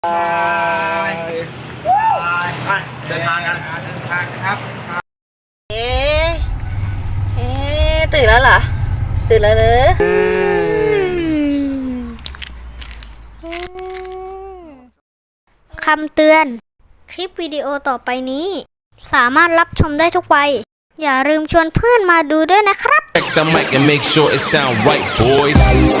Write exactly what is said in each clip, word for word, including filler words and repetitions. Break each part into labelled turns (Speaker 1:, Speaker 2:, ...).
Speaker 1: ไปไปเดินทางกันเดินทางครับ
Speaker 2: เอ๊ะเอ๊ะตื่นแล้วเหรอตื่นแล้วเหรอ
Speaker 3: คำเตือน คลิปวิดีโอต่อไปนี้ สามารถรับชมได้ทุกวัย อย่าลืมชวนเพื่อนมาดูด้วยนะครับ
Speaker 4: Check the mic and make sure it sound right, boys.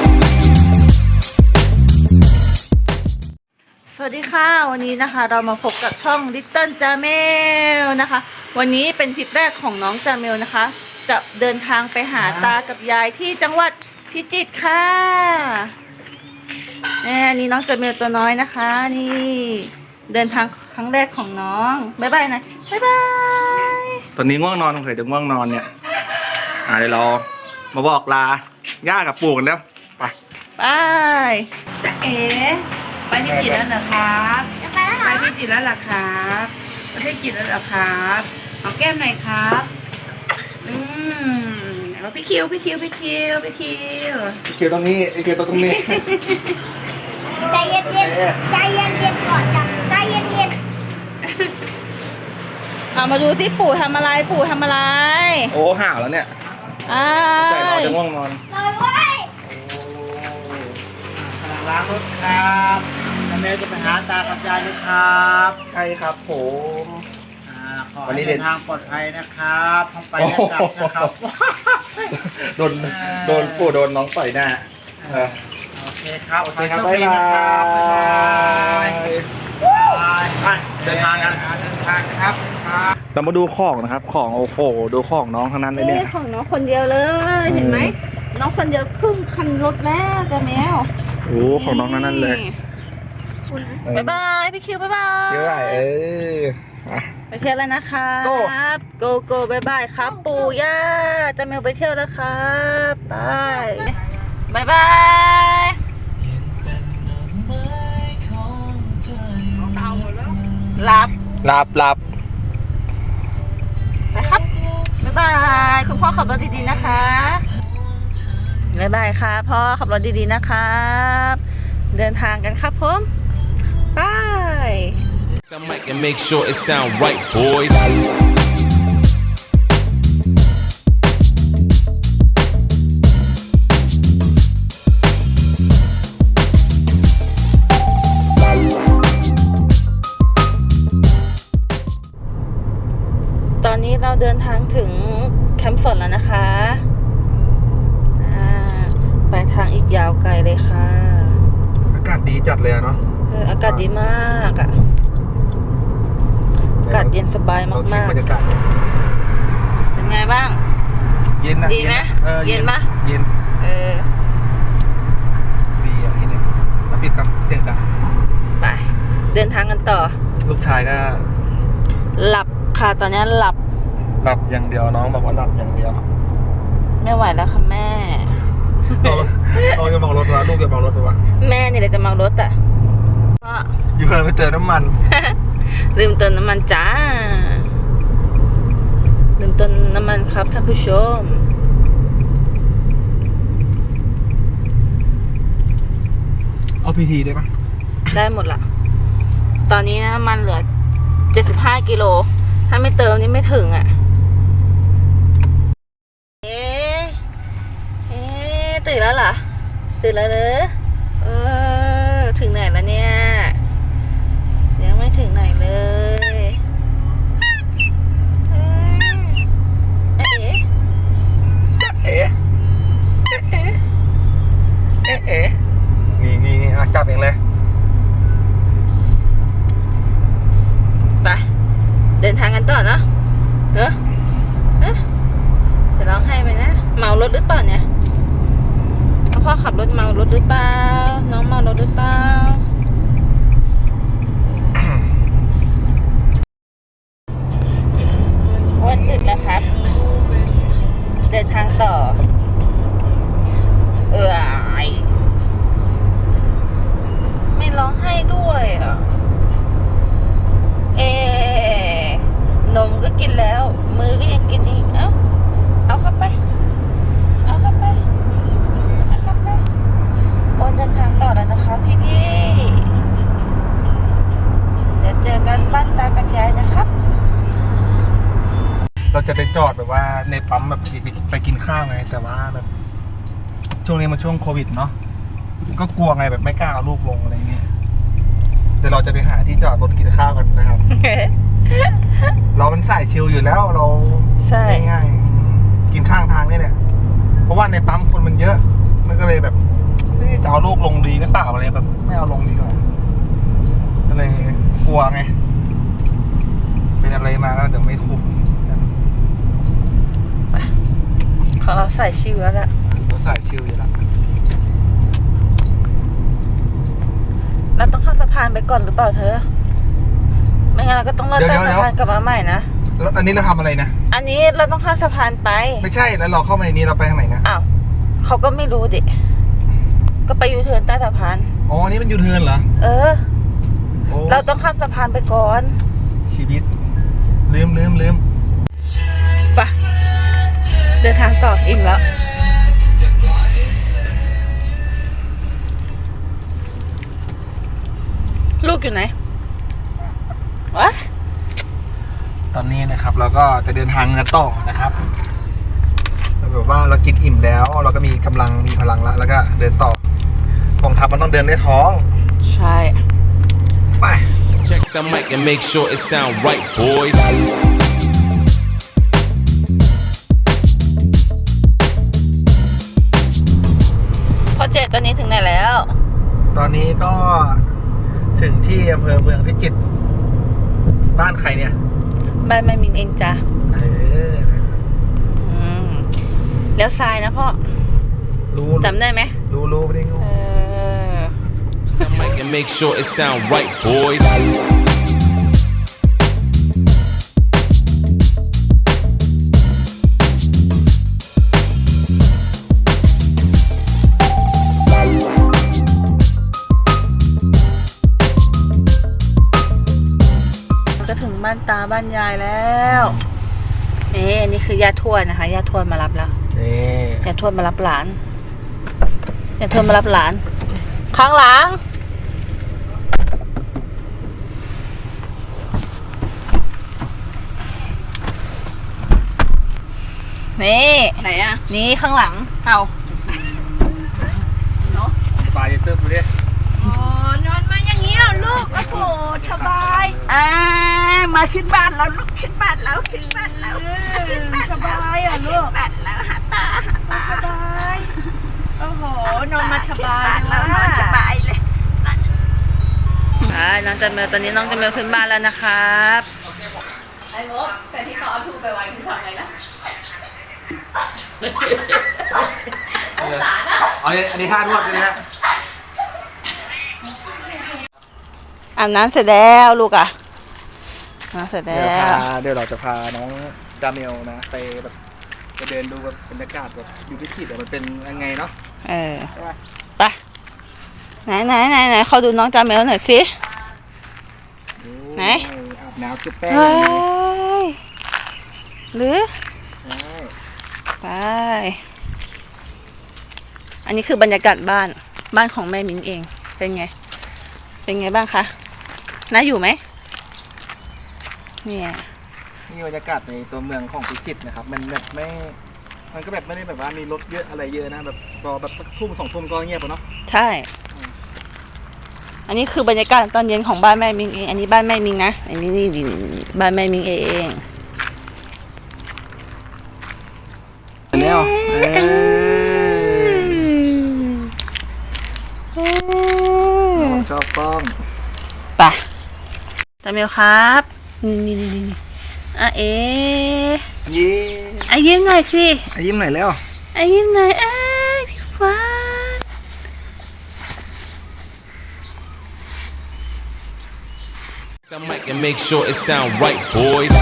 Speaker 2: สวัสดีค่ะวันนี้นะคะเรามาพบกับช่อง Little Jamel นะคะวันนี้เป็นทริปแรกของน้องจาเมลนะคะจะเดินทางไปหาตากับยายที่จังหวัดพิจิตรค่ะนี่นี่น้องจาเมลตัวน้อยนะคะนี่เดินทางครั้งแรกของน้องบ๊ายบายนะบ๊ายบาย
Speaker 1: ตอนนี้ง่วงนอนสงสัยจะง่วงนอนเนี่ยอ่าเดี๋ยวเรามาบอกลาย่ากับปู่กันแล้วไป
Speaker 2: ไปจ๊ะเอ๋ไปพิจิตรแล้วเหรอครับไปพิจิตรแล้วเหรอครับไปพิจิตรแล้วเหรอครับเอาแก้มหน่อยครับอืมแล้วพี่คิวพี่คิวพี่คิวพี่คิว
Speaker 1: ไอเคียวตรงนี้ไอเคียวตรงนี้
Speaker 3: ใจเย็นเย็นใจเย็นเย็นก่อนจับใจเย็นเย็น
Speaker 2: เอามาดูที่ปู่ทำอะไรปู่ทำอะไร
Speaker 1: โอ้ห่าวแล้วเนี่ย
Speaker 2: อ้า
Speaker 1: ใส่นอน
Speaker 2: ย
Speaker 1: จะง่วงนอน
Speaker 3: เลยเว้ย
Speaker 5: ล้างรถครับแล้วแม่จะไปหาตากับยายนะครับ
Speaker 1: ใช่ครับผม
Speaker 5: อ่าขอ
Speaker 1: วันนี้
Speaker 5: ให้
Speaker 1: เด็
Speaker 5: เดิ
Speaker 1: ด
Speaker 5: นทางปลอดภัยนะครับทั้งไปและกลับนะครับ
Speaker 1: โดนโดนปู่โดนน้องต่อยหน้าเออ
Speaker 5: โอเคครับ
Speaker 1: โอเคครับ
Speaker 5: ขอ
Speaker 1: บ๊าย
Speaker 5: ให้โช
Speaker 1: บา
Speaker 5: ดีนะครับบ๊ายบาย
Speaker 1: ย
Speaker 5: ไป
Speaker 1: ไปเดินทางกัน
Speaker 5: เดินทางครับครับ
Speaker 1: เรามาดูของนะครับของโอ้โหดูของน้องทั้งนั้นเลย
Speaker 2: นี่
Speaker 1: เนี่ย
Speaker 2: ของน้องคนเดียวเลยเห็นไหมน้องคนเดียวครึ่งคันรถแล้วจ้ะแมว
Speaker 1: โอ้ของน้องทั้งนั้นเลย
Speaker 2: บ๊ายบายพี่คิวบ๊ายบาย
Speaker 1: เยอะเอออ่ะ
Speaker 2: ไปเที่ยวแล้วนะคะ
Speaker 1: โก้
Speaker 2: โกโก้บ๊ายบายครับปู่ย่าจาเมลไปเที่ยวแล้วครับบายบ๊ายบายหลับ
Speaker 1: หลับหลับ
Speaker 2: ไปครับบ๊ายบายคุณพ่อขับรถดีๆนะคะบ๊ายบายค่ะพ่อขับรถดีๆนะครับเดินทางกันครับผมบาย
Speaker 4: The mic and make sure it sound right, boys.
Speaker 2: ตอนนี้เราเดินทางถึงแคมป์สนแล้วนะคะอ่าไปทางอีกยาวไกลเลยค่ะ
Speaker 1: อากาศดีจัดเลยอะเนาะ
Speaker 2: เอออากาศดีมากอะอากาศเย็นสบาย
Speaker 1: เราชิม
Speaker 2: มาก
Speaker 1: บรรยากาศ
Speaker 2: ๆเป็นไงบ้าง
Speaker 1: เย็นนะ
Speaker 2: ดีไหม
Speaker 1: เออ
Speaker 2: เย็นปะ
Speaker 1: เย็น
Speaker 2: เออ
Speaker 1: ดีอ่ะที่เนี่ยแล้วปิดกับเสียงดัง
Speaker 2: ไปเดินทางกันต่อ
Speaker 1: ลูกชายก็
Speaker 2: หลับค่ะตอนนี้หลับ
Speaker 1: หลับอย่างเดียวน้องบอกว่าหลับอย่างเดียว
Speaker 2: ไม่ไหวแล้วค่ะแม่
Speaker 1: เราเราจะมองรถวะลูกจะมองรถวะ
Speaker 2: แม่เนี่ยเลยจะเมารถอ่ะก็
Speaker 1: อยู่เพิ่มไปเติมน้ำมัน
Speaker 2: ลืมเติมน้ำมันจ้าลืมเติมน้ำมันครับท่านผู้ชม
Speaker 1: เอาพีทีได้ปะ
Speaker 2: ได้หมดละตอนนี้นะมันเหลือเจ็ดสิบห้ากิโลถ้าไม่เติมนี่ไม่ถึงอ่ะเอ๊ะเอ๊ะตื่นแล้วเหรอตื่นแล้วเหรอเออถึงไหนแล้วเนี่ยยังไม่ถึงไหนเลยเอ๊ะเอ๊ะ
Speaker 1: เอ๊ะเอ๊ะเอ๊ะเอ๊ะนี่นี่นี่อ่ะจับเองเลย
Speaker 2: ไปเดินทางกันต่อเนาะเนอะเอ๊ะจะร้องไห้ไปนะเมารถหรือเปล่าเนี่ยพ่อขับรถเมารถหรือเปล่าน้องเมารถหรือเปล่า
Speaker 1: เราจะไปจอดแบบว่าในปั๊มแบบไปกินข้าวไงแต่ว่าแบบช่วงนี้มันช่วงโควิดเนาะก็กลัวไงแบบไม่กล้าเอาลูกลงอะไรเงี้ยเดี๋ยวเราจะไปหาที่จอดรถกินข้าวกันนะครับ เราเป็นสายชิลอยู่แล้วเรา
Speaker 2: ใช่
Speaker 1: ง่ายๆกินข้างทางนี่แหละเพราะว่าในปั๊มคนมันเยอะมันก็เลยแบบจะเอาลูกลงดีหรือเปล่าอะไรแบบไม่เอาลงดีกว่าก็เลยกลัวไงเป็นอะไรมาก็เดี๋ยวไม่คุ้ม
Speaker 2: ของเราใส่ชิวแล้วละ
Speaker 1: เราสายชิลอยู่แล้ว
Speaker 2: เราต้องข้ามสะพานไปก่อนหรือเปล่าเธอ ไม่งั้นเราก็ต้องเลื่อนข้ามสะพานกลับมาใหม่นะ
Speaker 1: แล้วอันนี้เราทำอะไรนะ
Speaker 2: อันนี้เราต้องข้ามสะพานไป
Speaker 1: ไม่ใช่แล้วเราเข้ามาในนี้เราไปทางไหนนะ
Speaker 2: อ้าวเขาก็ไม่รู้ดิ ก็ไปยูเทิร์นใต้สะพาน
Speaker 1: อ๋ออันนี้มันยูเทิร์นเหรอ
Speaker 2: เออ
Speaker 1: โอ้
Speaker 2: เราต้องข้ามสะพานไปก่อน
Speaker 1: ชีวิตลืมลืมลืม
Speaker 2: ไปเดินทางต่ออิ่มแล้ว ลูกอยู่ไหนวะ
Speaker 1: ตอนนี้นะครับเราก็จะเดินทางกันต่อนะครับแบบว่าเรากินอิ่มแล้ว เราก็มีกำลังมีพลังแล้วแล้วก็เดินต่อกองทัพมันต้องเดินด้วยท้อง
Speaker 2: ใช่
Speaker 1: ไป
Speaker 4: Check the mic and make sure it sound right, boys.
Speaker 2: พ่อเจตอนนี้ถึงไหนแล้ว
Speaker 1: ตอนนี้ก็ถึงที่อำเภอเมืองพิจิตรบ้านใครเนี่ย
Speaker 2: บ้านแม่มินเองจ้ะ
Speaker 1: เออ
Speaker 2: อืมแล้วทรายนะพ่อ
Speaker 1: รู้
Speaker 2: จำได้ไหม
Speaker 1: รู้รู้ไม่ได้งู
Speaker 2: เออ
Speaker 4: The mic and make sure it sound right, boys.
Speaker 2: ก็ถึงบ้านตาบ้านยายแล้วนี่อันนี้คือย่าทวดนะคะย่าทวดมารับแล้ว
Speaker 1: นี่
Speaker 2: ย่าทวดมารับหลานย่าทวดมารับหลาน ข้างหลัง นี่ไหนอะนี่ข้างหลังเอา
Speaker 1: ปลาจะเติบดูดิ
Speaker 2: อ๋อนอนมาอย่างนี้เหรอลูกโอ้โหสบายอ่ามาขึ้นบ้านแล้วลูกขึ้นบ้านแล้วขึ้นบ้านแล้วสบายอ่ะลูกขึ้นบ้านแล้วหาตาหาตาสบายโอ้โหนอนมาสบายแล้วนอนสบายเลยอ่าน้องจันเมลตอนนี้น้องจันเมลขึ้นบ้านแล้วนะครับไอ้มดแต่ที่เขาเอาทูไปไว้คือทำไงนะหลานอ่ะ
Speaker 1: อันนี้อันนี้ท่านวดใช่ไหมฮะ
Speaker 2: อาบน้ำเสร็จแล้วลูกอ่ะน้ำเสร็จ
Speaker 1: เดี๋
Speaker 2: แล้
Speaker 1: ยวพาว เดี๋ยวเราจะพาน้องจาเมลนะไปแบบไปเดินดูแบบบรรยากาศแบบอยู่ที่จิตรมันเป็นยังไงเนาะ
Speaker 2: เออ
Speaker 1: ใช่ปะ
Speaker 2: ไปไหนไหนไหนไหนเขาดูน้องจาเมลหน่อยสิ
Speaker 1: โอ้
Speaker 2: ไหน
Speaker 1: อาบน้ำจุ๊บแป้ง
Speaker 2: เฮ้ยหรือ
Speaker 1: ใช่
Speaker 2: ไปอันนี้คือบรรยากาศบ้านบ้านของแม่มิงเองเป็นไงเป็นไงบ้างคะน่าอยู่ไหมเนี่ย
Speaker 1: นี่บรรยากาศในตัวเมืองของพิจิตรนะครับ มันแบบไม่ มันก็แบบไม่ได้แบบว่ามีรถเยอะอะไรเยอะนะแบบรอแบบสักทุ่มสองทุ่มก็เงียบแล้วเนาะ
Speaker 2: ใช่ อันนี้คือบรรยากาศตอนเย็นของบ้านแม่มิงเองอันนี้บ้านแม่มิงนะอันนี้นี่บ้านแม่มิงเอง
Speaker 1: แล้วชอบกล้อง
Speaker 2: ไปจาเมลครับนี่นี่นี่นี่อ่ะเอ๊ะ
Speaker 1: ยิ้ม
Speaker 2: อ่ะยิ้มหน่อยสิ
Speaker 1: ยิ้มหน่อยแล้ว
Speaker 2: อ่ะยิ้มหน่อยเอ้ยฟ้า
Speaker 4: The mic and make sure it sound right, boys.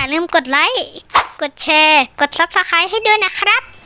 Speaker 3: ลืมกดไลค์ กดแชร์ กด ซับสไครบ์ ให้ด้วยนะครับ